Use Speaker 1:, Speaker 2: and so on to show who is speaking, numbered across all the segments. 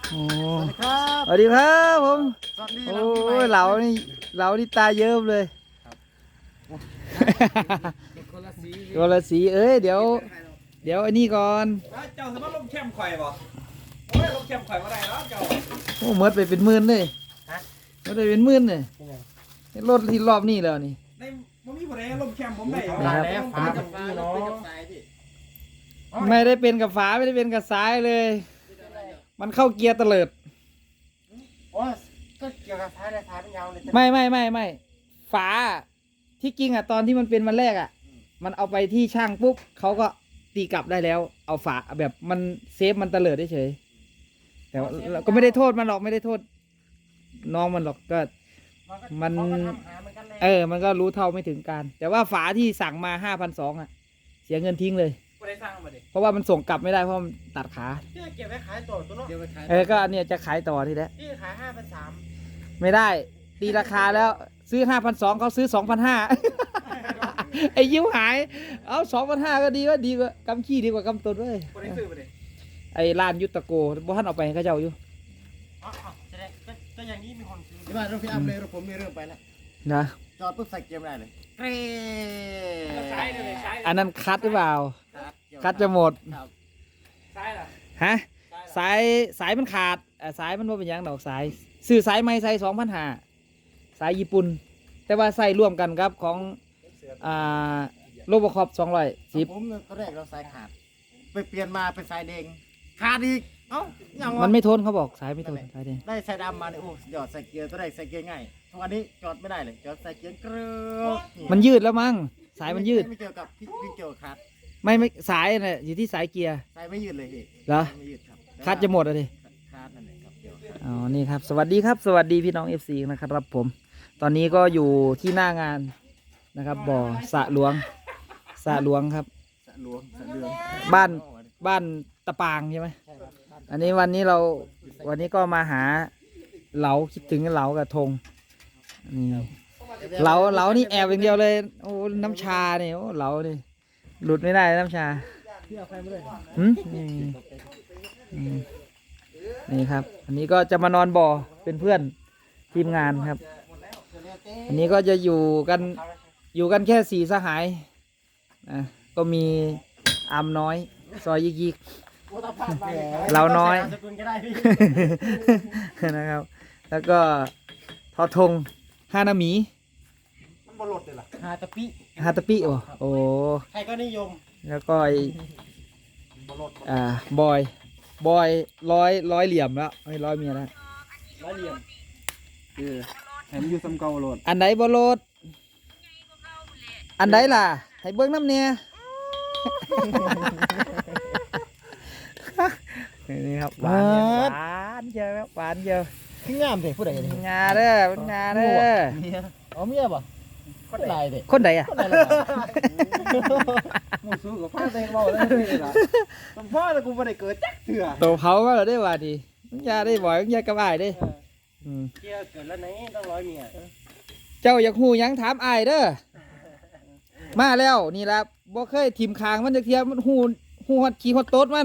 Speaker 1: โอ้
Speaker 2: สวัสดีครับ
Speaker 1: สวัสดีครับผม
Speaker 2: สวัสดี
Speaker 1: โอ้ยเหลานี่ตาเยิ้มเลย
Speaker 2: คนละสี
Speaker 1: ตัวละสีเอ้ยเดี๋ยวอันนี้ก่อน
Speaker 3: เจ้าสามารถลงเข้มข่อยบ่โอ้ยลงเข้มข่อยมาได้แล้วเจ้า
Speaker 1: โอ้เมิดไปเป็นหมื่นเลยเมิดไปเป็นหมื่นเลยรถที่รอบนี้แล้วนี่
Speaker 3: ในมันมีผู้ใดลงเข้มผมได้
Speaker 1: ครับ
Speaker 2: แล้วฟ้ากับฟ้าเนาะ
Speaker 1: ไม่ได้เป็นกับฝาไม่ได้เป็นกับซ้ายเลย มันเข้าเกียร์เตลิด
Speaker 2: โอ้ก็เกี่ยวกับฟ้าได้ฟ้าเป็นยาวเลย
Speaker 1: ไม่ฝาที่จริงอ่ะตอนที่มันเป็นวันแรกอ่ะ มันเอาไปที่ช่างปุ๊บเขาก็ตีกลับได้แล้ว เอาฝาแบบมันเซฟมันเตลิดได้เฉยแต่ว่าเราก็ไม่ได้โทษมันหรอกไม่ได้โทษน้องมันหรอกก็ มัน มันก็รู้เท่าไม่ถึงการ แต่ว่าฝาที่สั่งมา5,200อ่ะ เสียเงินทิ้งเลย
Speaker 3: ผู้ใดสร้างมาดิ
Speaker 1: เพราะว่ามันส่งกลับไม่ได้เพราะมันตัดขา
Speaker 2: พี่เก็บไว้ขายต่อตัวเนาะเดี๋ยวไปขาย
Speaker 1: ก็เนี่ยจะขายต่อทีแล้ว
Speaker 2: พี่ขาย5,300
Speaker 1: ไม่ได้ตีราคาแล้วซื้อ5,200เขาซื้อ2,500 ไอ้ยิ้วหายเอา2,500ก็ดีกว่ากำขี้ดีกว่ากำตนเว้ย
Speaker 3: ผู้ใดซื้อมาดิ
Speaker 1: ไอ้ร้านยุตโกบ่ท่านเอาไปให้เขาเจ้าอยู่
Speaker 2: จะได้ก็อย่างนี้มีคนซื้อที่บ้านรถพี่อัพเลยรถผมมีเรื่องไปแล้ว
Speaker 1: นะ
Speaker 2: จอดปุ๊บใส่เกียร์ไม่ได้เลยเกร
Speaker 3: ใช้เลยใช้
Speaker 1: อันนั้นคัดหรือเปล่าคัดจะหมด
Speaker 2: ครับ
Speaker 3: ใช้ล่ะ
Speaker 1: ฮะสายมันขาดสายมันว่าเป็นหยังดอกสายซื้อสายไม้ใส่2,500สายญี่ปุ่นแต่ว่าใส่ร่วมกันครับของโลบคอป210
Speaker 2: ผมตอนแรกเราสายขาดไปเปลี่ยนมาเป็นสายแดงขาดอีกเอ้าอย่างวะ
Speaker 1: มันไม่ทนเขาบอกสายไม่ทนสายแดง
Speaker 2: ได้สายดำมาเนี่ยโอ้หยอดใส่เกียร์ตัวแรกใส่เกียร์ง่ายทุกวันนี้จอดไม่ได้เลยจอดใส่เกียร์เกลือ
Speaker 1: มันยืดแล้วมั้งสายมันยืด
Speaker 2: ไม่เกี่ยวกับพี่เกี่ยวกับขาด
Speaker 1: ไม่สายน่ะอยู่ที่สายเกียร์
Speaker 2: สายไม่ยืดเลยพี่
Speaker 1: เหรอ
Speaker 2: ไม่ยืดครับ
Speaker 1: คัดจะหมดเลย
Speaker 2: ขาดนั่นเองครับเกี่ยวกับ
Speaker 1: อ๋อนี่ครับสวัสดีครับ สวัสดีพี่น้อง FC นะครับผม ตอนนี้ก็อยู่ที่หน้างานนะครับบ่อสระหลวงครับ
Speaker 2: สะหลวงสะเดือง
Speaker 1: บ้านตะปางใช่ไหมอันนี้วันนี้ก็มาหาเหลาคิดถึงเหลากับธงนี่เหลานี่แอบอย่างเดียวเลยโอ้น้ำชาเนี่ยโอ้เหลานี่หลุดไม่ได้น้ำชา
Speaker 2: พี่เอาใครมาเลย
Speaker 1: นี่ครับ อันนี้ก็จะมานอนบ่อเป็นเพื่อนทีมงานครับ อันนี้ก็จะอยู่กันแค่4สหายก็มีอามน้อย ซอยยิกเราน้อย
Speaker 2: สกุลก็ได้พี่
Speaker 1: นะครับ แล้วก็ทอทงฮานามิ
Speaker 2: มันบอลดเลยล่ะฮาตะปิ
Speaker 1: ฮาตาปิโอ้
Speaker 2: ใครก็นิยม
Speaker 1: แล้วก็ไอ้
Speaker 2: บอลด
Speaker 1: บอยร้อยเหลี่ยมแล้วไม่ร้อยเมียแล้ว
Speaker 2: ร้อยเหลี่ยม
Speaker 3: เห็นอยู่ซ้ำเก่าโหลด
Speaker 1: อันไหนบอลดอันไหนล่ะ ให้เบิ้งน้ำเนี่ย นี่ครับหวานเยอะหวานเยอะ
Speaker 2: ขึ้นงามเลยผู้ใดเนี่ย
Speaker 1: งาเด้อเป็นงาเด้อ
Speaker 2: อ๋อเมียป่ะคนใดเด็ก
Speaker 1: คนใดอ่ะ
Speaker 2: คนใดล่ะ
Speaker 3: หมูสู้กับผ้าเต็งเบาเลยล่ะสมพ่อแต่กูไม่ได้เกิดจักเถื่อ
Speaker 1: โตเผาก็ได้ว่าดียาได้บ่อยยากระบายได้
Speaker 2: เกี่ยวเกิดแล้วไหนต้องร้อยเมีย
Speaker 1: เจ้าอยากหูหยังถามอายเด้อมาแล้วนี่ละบ่เคยทิมคางมันจะเทียมมันหูฮอดขี้ฮอดโต๊ดมัน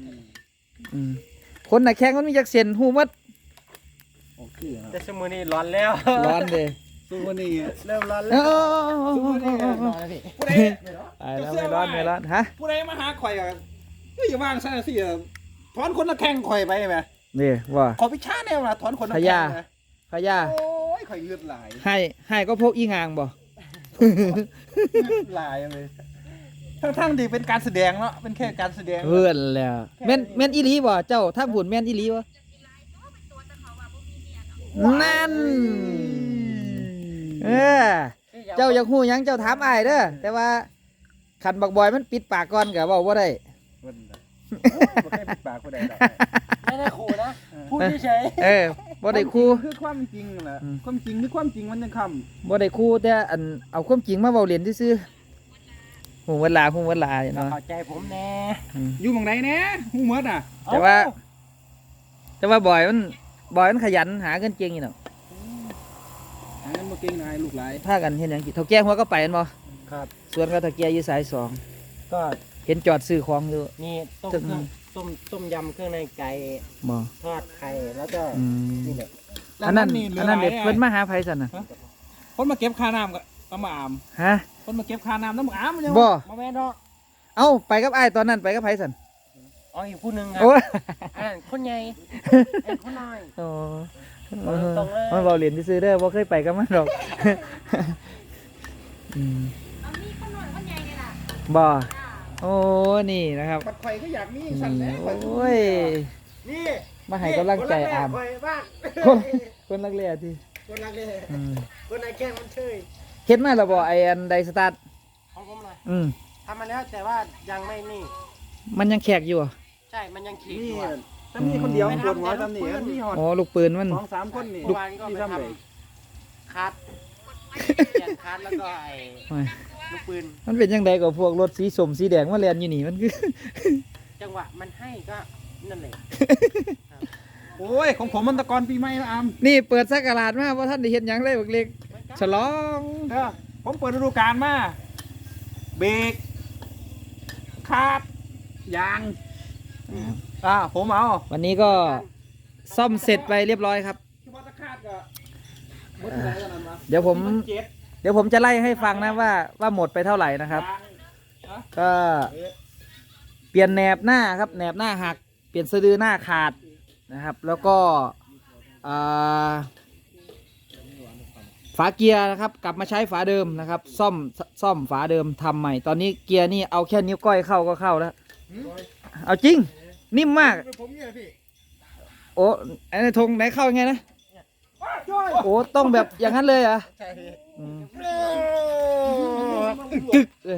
Speaker 1: คนน่ะแข้งมันมีจักเส้นหูมัด
Speaker 3: โอเค
Speaker 2: แต่ชั่วโมงนี้ร้อนแล้ว
Speaker 1: ร้อนเด้
Speaker 3: สู้วันนี้
Speaker 2: เริ่มร้อน
Speaker 1: เอ
Speaker 2: แล้ว
Speaker 1: อ
Speaker 2: ร้อนแล้วพี่
Speaker 3: ผู้ใด
Speaker 1: ไปแล้วไม่ร้อนฮะ
Speaker 3: ผู้ใดมาหาข่อยกันอย่าว่างซะสิถอนคนละแข้งข่อยไปไหม
Speaker 1: นี่ว่า
Speaker 3: ขอพิชาแนวนะถอนคนละ
Speaker 1: พ
Speaker 3: แข้
Speaker 1: ญาง
Speaker 3: นะ
Speaker 1: พญา
Speaker 3: โอ้ยข่อยเลือดไหล
Speaker 1: ให้ก็พกอีงางบ่
Speaker 3: ไหลเลยทั้งๆดีเป็นการแสดงเนาะเป็นแค่การแสดง
Speaker 1: เพื่อนแล้วแม่นอีหลีบ่เจ้าถ้าบุญแม่นอีหลีบ่นั่นเจ้าอยากหูหยังเจ้าถามอ้ายเด้อแต่ว่าขันบักบอยมันปิดปากก่อนก็เว้าบ่ได้
Speaker 3: มันบ่แค่ปิดปากผู้ใดดอก
Speaker 2: ไม่ได้ขู่นะพูดเฉย
Speaker 1: บ่ได้คู่
Speaker 3: คือความจริงแหละความจริงคือความจริงมันยังคำ
Speaker 1: บ่ได้คู่แต่อันเอาความจริงมาเว้าเล่นซื่อๆหูเวลาเนาะ
Speaker 2: เข้าใจผมแน่
Speaker 3: อยู่หม่องใดแน่ฮู้หมดอ่ะ
Speaker 1: แต่ว่าบอยมันขยันหาเงินเก่งอยู่เนาะ
Speaker 3: อันนั้นบ่เก่งนายลูกหลาย
Speaker 1: พากันเฮ็ดหยังกินเฒ่าแก่หัวก็ไปแม่นบ่
Speaker 2: ครับ
Speaker 1: ส่วนก็เฒ่าแก่อยู่สาย
Speaker 2: ก็
Speaker 1: 2เห็นจอดซื้อของอยู่
Speaker 2: นี่ต้อง
Speaker 4: ต้มยำเครื่องในไก่
Speaker 1: บ่
Speaker 4: ทอดไข่แล้วก็
Speaker 1: อืม
Speaker 4: นี่แหละ
Speaker 1: อันนั้นเด็ดเพิ่นมาหาไผสั่นน่ะ
Speaker 3: คนมาเก็บค่าน้ำก็ต้องมาอาม
Speaker 1: ฮะ
Speaker 3: คนมาเก็บค่าน้ำต้องมาอามมันยัง
Speaker 1: บ่
Speaker 4: มาแม่เนาะ
Speaker 1: เอ้าไปกับอ้ายตอนนั้นไปกับไผสั่น
Speaker 4: อ๋ออีกผู้หนึงครับ
Speaker 1: โอ้ย
Speaker 4: อ่านคนใหญ่อ่านคนน้อย
Speaker 1: โอ้
Speaker 4: ตรงเลย
Speaker 1: มันเบาเหรียญซื้อๆเด้อบ่เคยไปกับมันหรอกอืม
Speaker 5: เอามีขนมคนใหญ่เลยล่ะ
Speaker 1: บ่โอ้นี่นะครับ
Speaker 3: ปัดไข่ก็อยากมี
Speaker 1: อื
Speaker 3: ฉัน
Speaker 1: ม
Speaker 3: แหละ
Speaker 1: โอ้ย
Speaker 3: นี่
Speaker 1: มาให้กำลังใจอาม
Speaker 3: คนบ้าง
Speaker 1: คนรักเลียที่
Speaker 3: คนรักเลย
Speaker 1: อืม
Speaker 3: คนไหนแกล้งมันเชย
Speaker 1: เฮ็ดมาแล้วบ่ไอ้อันไดสตาร์ท
Speaker 4: ของผมเลย
Speaker 1: อืม
Speaker 4: ทำมาแล้วแต่ว่ายังไม่นี่
Speaker 1: มันยังแขกอยู่อ่ะ
Speaker 4: ใช่มันยังขีดอ
Speaker 3: นี่
Speaker 4: ยู่อะ
Speaker 3: ถ้ามีคนเดียวปวดหัวทำนี่มีหอด
Speaker 1: อ๋อลูกปืนมัน
Speaker 3: 2-3 คนนี่
Speaker 4: เมื่อวานก็
Speaker 3: ที่
Speaker 4: ไป
Speaker 3: ทำ
Speaker 4: ท
Speaker 3: เลย
Speaker 4: ำคัดเปลี่ยนคัดแล้วก็ไอ้
Speaker 1: โอ้ย
Speaker 4: ลูกปืน
Speaker 1: มันเป็นยังไงกับพวกรถสีส้มสีแดงมาเรียนอยู่นี่มันคือ
Speaker 4: จังหวะมันให้ก็นั่นแหละ
Speaker 3: โอ้ยของผมมันตะกอนปีใหม่นะอาม
Speaker 1: นี่เปิดสักการาดมาว่าท่านได้เห็นหยังเลยบักเล็กฉลอง
Speaker 3: เออผมเปิดฤดูกาลมาเบรกคาดยางผมเอา
Speaker 1: วันนี้ก็ซ่อมเสร็จไปเรียบร้อยครับ
Speaker 3: เฉพาะตะคาดก็หมดเท่าไหร่แล้วนั่นวะ
Speaker 1: เดี๋ยวผม
Speaker 3: เจ็ด
Speaker 1: เดี๋ยวผมจะไล่ให้ฟังนะว่าหมดไปเท่าไหร่นะครับ
Speaker 3: ยาง
Speaker 1: ก็เปลี่ยนแหนบหน้าครับแหนบหน้าหักเปลี่ยนสะดือหน้าขาดนะครับ แล้วก็อ่าฝาเกียร์นะครับ กลับมาใช้ฝาเดิมนะครับ ซ่อมฝาเดิมทำใหม่ ตอนนี้เกียร์นี่เอาแค่นิ้วก้อยเข้าก็เข้าแล้ว เอาจริง นิ่มมาก
Speaker 3: ผมเนี่ยพี่
Speaker 1: โอ้ไอ้ในธงไหนเข้ายังไงนะโอ้ต้องแบบอย่างนั้นเลยเหรอ
Speaker 3: ใช่พี่
Speaker 1: อืมกึกเลย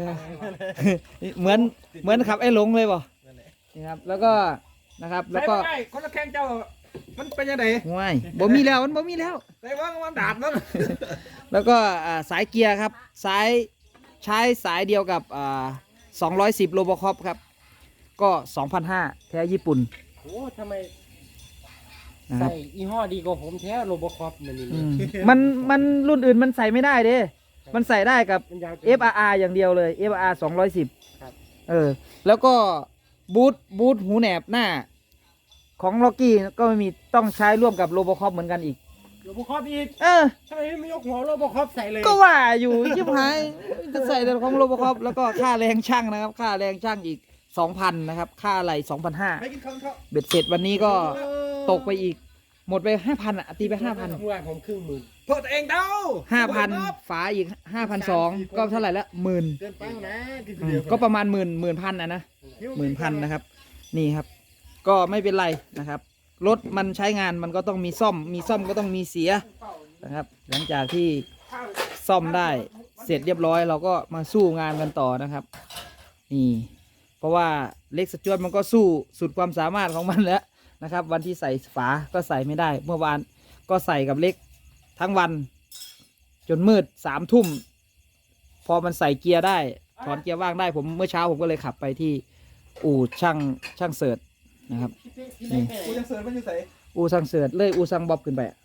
Speaker 1: เหมือนขับไอ้หลงเลยบ่นี่ครับ แล้วก็นะครับ แล้วก็
Speaker 3: ใส่บ่ได้คนละแข้งเจ้ามันเป็นยังไง
Speaker 1: ห่วยบ่มีแล้วมันบ่มีแล้ว
Speaker 3: ใส่ว่างมันดาบนั่น
Speaker 1: แล้วก็สายเกียร์ครับใช้สายเดียวกับ210โลโบคอปครับ ก็ 2,500 แท้ญี่ปุ่น
Speaker 4: โอ้ทำไม
Speaker 1: นะครับ
Speaker 4: ใส่ยี่ห้อดีกว่าผมแท้โรบอคอปมันนี่
Speaker 1: อืมมันรุ่นอื่นมันใส่ไม่ได้เด้ มันใส่ได้กับ
Speaker 4: มันยาว
Speaker 1: FRR อย่างเดียวเลย FRR 210
Speaker 4: ครับ
Speaker 1: แล้วก็บูทหูแหนบหน้า ของล็อกกี้ก็ไม่มีต้องใช้ร่วมกับโลโบคอปเหมือนกันอีก
Speaker 4: โรบอคอปอีก
Speaker 1: เออ
Speaker 4: ทำไมไม่ยกหัวโรบอคอปใส่เลย
Speaker 1: ก็ว่าอยู่ชิบหายจะใส่แต่ของโลโบคอปแล้วก็ค่าแรงช่างนะครับ ค่าแรงช่างอีก 2,000 นะครับ ค่าอะไร
Speaker 3: ไปกินข้าวเขา
Speaker 1: 2,500 เบ็ดเสร็จวันนี้ก็ตกไปอีก หมดไป 5,000 อ่ะ ตีไป 5,000
Speaker 4: เมื่อวานผมครึ่งหมื่น
Speaker 3: โทษตัวเองเด้า
Speaker 1: 5,000 ฝาอีก 5,200 ก็เท่าไหร่ละหมื่น
Speaker 2: เกินไปนะกิน
Speaker 1: อืมก็ประมาณหมื่นพันอ่ะนะ10,000นะครับ นี่ครับ ก็ไม่เป็นไรนะครับ รถมันใช้งานมันก็ต้องมีซ่อมก็ต้องมีเสียนะครับ หลังจากที่ซ่อมได้เสร็จเรียบร้อย เราก็มาสู้งานกันต่อนะครับ นี่ เพราะว่าเล็กสจวตมันก็สู้สุดความสามารถของมันแล้วนะครับ วันที่ใส่ฝาก็ใส่ไม่ได้ เมื่อวานก็ใส่กับเล็กทั้งวัน จนมืด3 ทุ่ม พอมันใส่เกียร์ได้ถอนเกียร์ว่างได้ผมเมื่อเช้าผมก็เลยขับไปที่อู่ช่างเสิร์ชนะครับ นี่
Speaker 3: กูยังเสิร์ฟมันอยู่ใส่
Speaker 1: อู่ช่างเสิร์ชเลยอู่ช่างบ๊อบขึ้นไปอะ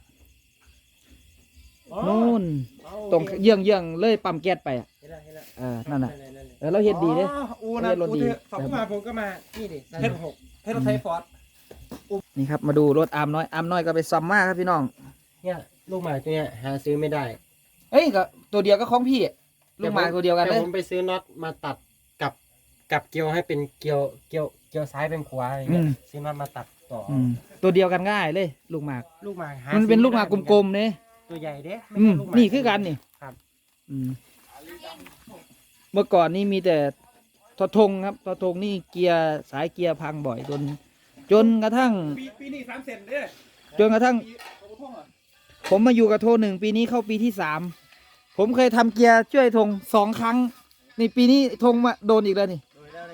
Speaker 1: นู่นตรงเยื่องเลยปั๊มแก๊สไปอะ
Speaker 4: เห็นแล้วเห็นแล้ว
Speaker 1: นั่นน่ะเราเห็นดีเด้
Speaker 3: อูนะ
Speaker 1: รถดี
Speaker 3: อูสองมาผมก็มา
Speaker 4: นี่ดิ
Speaker 3: เฮ็ด6ให้รถไทยฟอร์ด
Speaker 1: นี่ครับมาดูรถอาร์มน้อยก็ไปซ่อมมาครับพี่น้อง
Speaker 4: เนี่ยลูกหมาตัวเนี้ยหาซื้อไม่ได้
Speaker 1: เอ้ยก็ตัวเดียวก็ของพี่อะลูกหมากตัวเดียวกันเล
Speaker 4: แต่
Speaker 1: ย
Speaker 4: ผมไปซื้อน็อตมาตัดกับเกลียวให้เป็นเกลียวซ้ายเป็นขวาอะไรเงี้ยซื้อน็อตมาตัดต่ออ
Speaker 1: ตัวเดียวกันง่ายเลย ลูกหมาก
Speaker 4: ลูกหมาหา
Speaker 1: มันเป็นลูกหมากกลมๆ
Speaker 4: ๆ
Speaker 1: เนี่ย
Speaker 4: ตัวใหญ่เด้ไม่
Speaker 1: อืม
Speaker 4: ใช่ลูกหมา
Speaker 1: นี่คือกันนี่
Speaker 4: ครับ
Speaker 1: อืมเมื่อก่อนนี่มีแต่ทอทงครับทอทงนี่เกียร์สายเกียร์พังบ่อยจนกระทั่ง
Speaker 3: ปีนี้3เซนเด้
Speaker 1: จนกระทั่ง ผมมาอยู่กับโท1ปีนี้เข้าปีที่3ผมเคยทำเกียร์ช่วยธง2 ครั้งนี่ปีนี้ธงมาโดนอีกแล้วนี่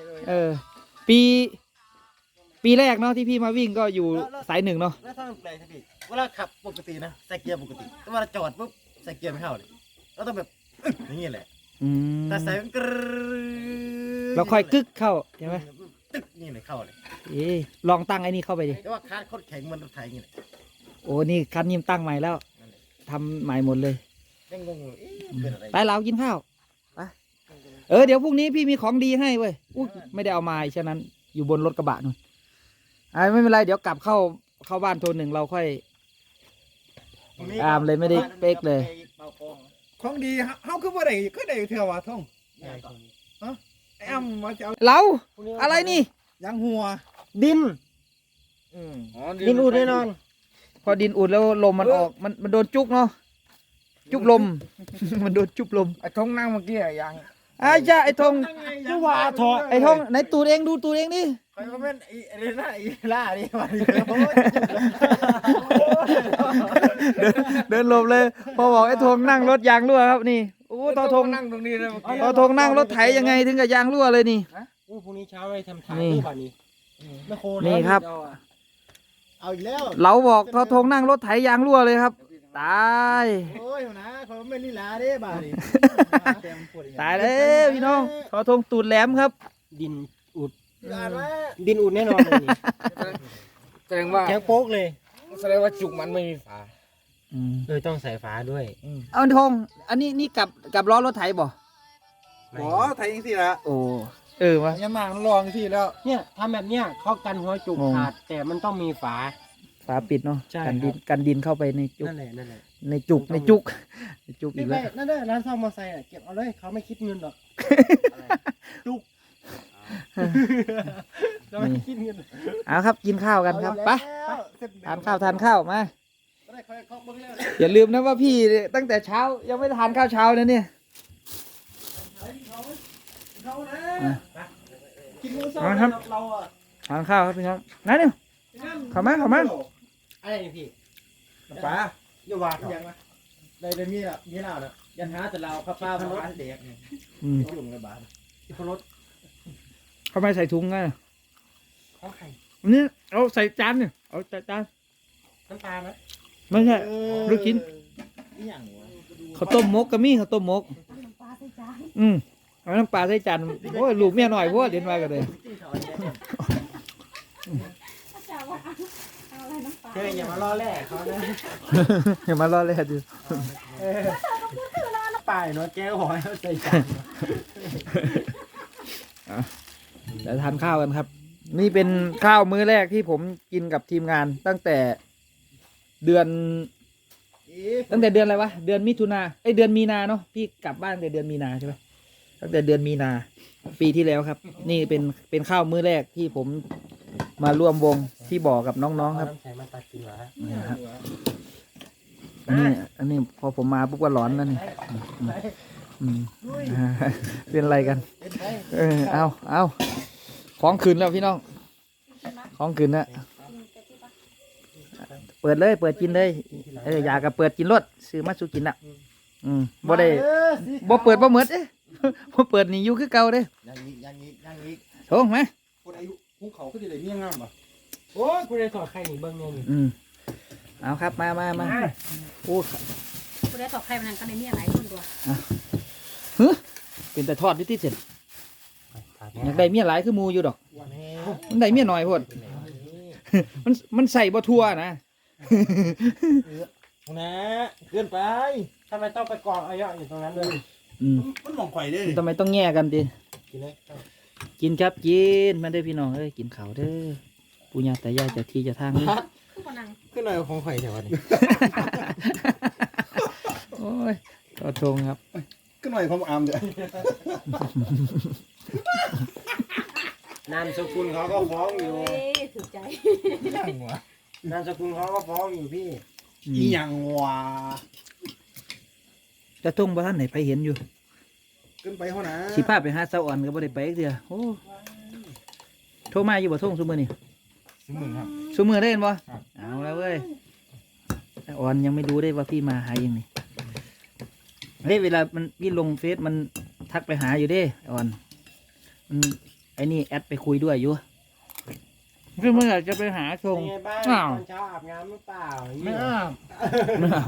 Speaker 1: ปีแรกเนาะที่พี่มาวิ่งก็อยู่สาย1เนาะ
Speaker 2: แล้วถ้ามันแปลกใช่พี่เวลาขับปกตินะใส่เกียร์ปกติแต่เวลาจอดปุ๊บใส่เกียร์ไม่เข้าเลยแล้วต้องแบบอย่างนี้แหละ
Speaker 1: อืม
Speaker 2: แต่ใส่มันกรึ๊ด
Speaker 1: แล้วค่อยกึกเข้าใช่ไหม
Speaker 2: ตึ๊กนี่เลยเข้าเลย
Speaker 1: เอ๊ะลองตั้งไอ้นี่เข้าไปดิ
Speaker 2: แต่ว่าคาร์ดโคตรแข็งเหมันรถไถอย่างนี้แหละ
Speaker 1: โอ้นี่คันนี้ตั้งใหม่แล้วทำใหม่หมดเลย
Speaker 2: ยังงงอยู่เอ๊ะเป็นอะไร
Speaker 1: ไปเรากินข้าวไปเดี๋ยวพรุ่งนี้พี่มีของดีให้เว้ยอุ๊ยไม่ได้เอามาฉะนั้นอยู่บนรถกระบะนู่นไม่เป็นไรเดี๋ยวกลับเข้าบ้านโทรหนึ่งเราค่อย อามเลยไม่ได้เป๊กเลย
Speaker 3: ของดีเฮาคือบ่ได้ก็ได้เทื่อว่าท่องไอ้อ้ำมาจะเอา
Speaker 1: เราอะไรนี่
Speaker 3: ยางหัว
Speaker 4: ดิน ดินอุดแน่นอน
Speaker 1: พอดินอุดแล้วลมมันออกมันโดนจุกเนาะจุกลม มันโดนจุกลม
Speaker 3: ไอ้ท่องนั่งเมื่อกี้อะยาง
Speaker 1: จ้าไอ้ทง
Speaker 3: คือว่าถอด
Speaker 1: ไอ้ทงไหนตูดเองดูตูดเองดิ
Speaker 2: ใครก็แม่นไอ้นี่นะไอ้ล่านี่มาดิ
Speaker 1: เดินหลบเลย พอบอกไอ้ทงนั่งรถยางรั่วครับนี่โอ้ตอทง
Speaker 3: นั่งตรงนี้เลยเมื่อกี้
Speaker 1: ตอทงนั่งรถไถยังไงถึงกับยางรั่วเลยนี่
Speaker 4: โอ้พรุ่งนี้เช้าไปทำทาง
Speaker 1: นี่
Speaker 4: ที่บ้านนี้
Speaker 2: ไม่โค
Speaker 1: นี่ครับ
Speaker 2: เอาอีกแล้ว
Speaker 1: เราบอกทอทงนั่งรถไถยางรั่วเลยครับ ตาย
Speaker 2: โอ้ยนะเขาไม่ลีลาเด้บ่าดิ
Speaker 1: ตายแล้วพี่น้องทอทงตูดแหลมครับ
Speaker 4: ดินอุด
Speaker 2: อ่านว่า
Speaker 4: ดินอุดแน่นอนเลยนี่
Speaker 3: แสดงว่า
Speaker 4: แข็งโป๊กเลย
Speaker 3: แสดงว่าจุกมันไม่มีฝา
Speaker 4: ต้องใส่ฝาด้วย
Speaker 1: เอาทงอันนี้นี่กับล้อรถไถบ่
Speaker 3: หมอไทยยังสิละ
Speaker 1: โอ้วะ
Speaker 3: ยังมาลองที่แล้ว
Speaker 4: เนี่ยทำแบบเนี้ยเขากันหัวจุก
Speaker 1: งง
Speaker 4: ขาดแต่มันต้องมีฝา
Speaker 1: ฝาปิดเนาะ
Speaker 4: ใช่
Speaker 1: กันดิน
Speaker 4: ครับ
Speaker 1: กันดินเข้าไปในจุก
Speaker 4: นั่นแหละนั่นแหละ
Speaker 1: ในจุกในจุกในจุกอี
Speaker 4: นี่
Speaker 1: ก
Speaker 4: ไป
Speaker 1: แล้ว
Speaker 4: นั่นเด้อร้านซ่อมมอเตอร์ไซค์เก็บเอาเลยเขาไม่คิดเงินหรอกเราไม่คิดเงิน
Speaker 1: เอาครับกินข้าวกันครับไป
Speaker 2: แล้ว
Speaker 1: ทานข้าวมา
Speaker 2: ได้ค่อยเคาะเบิ่งแล้ว
Speaker 1: อย่าลืมนะว่าพี่ตั้งแต่เช้ายังไม่ทานข้าวเช้านะเนี่ย
Speaker 3: กินมื้อเช้า
Speaker 1: มาครับ
Speaker 3: เราอ่ะ
Speaker 1: ทานข้าวครับพี่น้องนั่นเนี่ยเข้ามา
Speaker 4: อะไรนี่พี่
Speaker 3: ป๋า
Speaker 4: อย่าว่า
Speaker 2: ยังนะได้ได้มีอ่ะมีเหล้าน่ะยันหาแต่เราข้าวปลาพะโล้เด็กเนี่ย
Speaker 1: อืม
Speaker 2: ยุ่งเลยบาด
Speaker 4: ที่พรถ
Speaker 1: เข้ามาใส่ถุงไง
Speaker 4: ของไข่
Speaker 1: อันนี้เอาใส่จานเนี่ยเอาใส่จาน
Speaker 4: น้ำตาลนะ
Speaker 1: ไม่ใช่ ลูกชิ้น
Speaker 2: อีหยังวะ
Speaker 1: ข้าวต้มมกก็มีข้าวต้มมก
Speaker 5: เอาน้ำปลาใส่จาน
Speaker 1: เอาน้ำปลาใส่จานโอ้ยลูกเมียหน่อยพวกเดินมากันเลย
Speaker 2: กินข้าวเนี่ย
Speaker 5: ถ้าจะว่าเอาอะไรน้ำปลา
Speaker 4: เธออย่ามาล่อแร่เขานะ
Speaker 1: อย่ามาล่อเลยดิ
Speaker 4: ป่ายเนาะแก้วหอยเอาใส่จาน
Speaker 1: เดี๋ยวทานข้าวกันครับ นี่เป็นข้าวมื้อแรกที่ผมกินกับทีมงานตั้งแต่เดือนอะไรวะเดือนมิถุนาเดือนมีนาเนาะพี่กลับบ้านแต่เดือนมีนาใช่ไหมตั้งแต่เดือนมีนาปีที่แล้วครับ นี่เป็นข้าวมื้อแรกที่ผมมาร่วมวงที่บ่อกับน้องๆครับ
Speaker 4: น้ำแข็งมาตัดกินเหรอฮะ
Speaker 1: นี่นะครับอันนี้พอผมมาปุ๊บก็ร้อนแล้วนี่อืมเป็นอะไรกัน เอาของคืนแล้วพี่น้องของคืนแล้วเปิดเลยเปิดกินเลยอยากกับเปิดกินรถซื้อมาสู้กินละบ่ได้บ่เปิดบ่เหมือดบ่เปิดนี่อยู่คือเก่าเด้
Speaker 2: ยังอีก
Speaker 1: โถงไหม
Speaker 3: คนอายุภูเขาก็จะได้เมียงามป่ะ
Speaker 4: โอ้ยกูได้ถอดไข่นี่เบิ้งเนี่ยนี่
Speaker 1: เอาครับมาโอ้
Speaker 5: คุณได้ตอบใครมันก็ในมีอะไรคนตัว
Speaker 1: เป็นแต่ทอดที่เสร็จ
Speaker 4: ถอด
Speaker 1: อยากได้เมียหลายคือหมูอยู่ดอก
Speaker 2: วันนี้
Speaker 1: มันได้เมียน้อยโพดมันใส่บ่ทั่วนะ
Speaker 2: นะเกินไป
Speaker 4: ทำไมต้องไปกองอายุอยู่ตรงนั้นด้วย
Speaker 3: มันมองไข่ได้ดิ
Speaker 1: ทำไมต้องแง่กันดิ
Speaker 4: กินเลย
Speaker 1: กินครับกินมาได้อพี่น้องเอ้ยกินข้าวเด้อปู่ย่าตายายเจะที่เจะทางนี่
Speaker 5: คือคนนัง
Speaker 4: ขึ้นหน่อยของไข่เดี๋ยววันนี้
Speaker 1: โอ้ยก็ทงครับ
Speaker 3: ก็หน่อยของอามเด้อน
Speaker 4: ามสกุลเขาก็ฟ้องอยู่
Speaker 5: เอ้ยถูกใจ
Speaker 3: ยังวะ
Speaker 4: นามสกุลเขาก็ฟ้องอยู่พี่
Speaker 3: อีหยังวะ
Speaker 1: จะทงบ่ท่านไหนไปเห็นอยู่
Speaker 3: ขึ้นไปเท่านะ
Speaker 1: สิพาไปหาสาวอ่อนก็บ่ได้ไปอีกเดียวโอ้โทรมาอยู่บ่ทงซุมื้อนี่
Speaker 3: 10,000ครับ
Speaker 1: ซุมื้อได้เห็นบ่
Speaker 3: ครับ
Speaker 1: เอาแล้วเว้ยอ่อนยังไม่รู้ได้ว่าพี่มาหายังนี่เฮ้ยเวลามันพี่ลงเฟซมันทักไปหาอยู่เด้อ่อนมันไอ้นี่แอดไปคุยด้วยอยู่คือเมื่อไหร่จะไปหาชง
Speaker 4: เป็นไงบ้าง
Speaker 1: อ้าว
Speaker 4: ตอนเช้าอาบน้ำหรือเปล่า
Speaker 3: ไม่อาบ
Speaker 1: ไม่เอา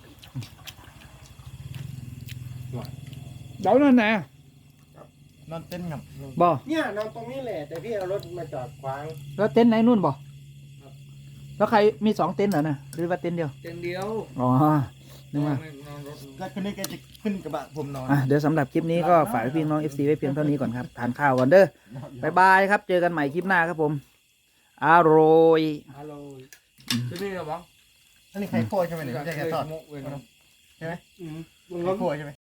Speaker 1: เดี๋ยวนั่นไหน
Speaker 2: นอนเต้นครับ
Speaker 1: บ่
Speaker 4: เนี่ยนอนตรงนี้แหละแต่พี่เอารถมาจอดขวาง
Speaker 1: แล้วเต็นท์ไหนนู่นบ่แล้วใครมี2เต็นท์เหรอน่ะหรือว่าเต็นท์เดียว
Speaker 3: เต็นเดียว
Speaker 1: อ๋อนึกว่า
Speaker 3: นอนรถ
Speaker 2: ก็คืนนี้แกจะขึ้นกระบะผมนอน
Speaker 1: เดี๋ยวสำหรับคลิปนี้ก็ฝากพี่น้อง FC ไว้เพียงเท่านี้ก่อนครับทานข้าวก่อนเด้อบ๊ายบายครับเจอกันใหม่คลิปหน้าครับผมอร่อย
Speaker 3: ฮัลโหลที่นี่เหรอบ้าง
Speaker 2: อันนี้ไข่โคยใช่ไหมเนี่ยไม่ใช่ไข่ทอด
Speaker 3: มุกเว้ย
Speaker 2: ใช่ไหม
Speaker 3: อืม
Speaker 2: ไข่โคยใช่ไหม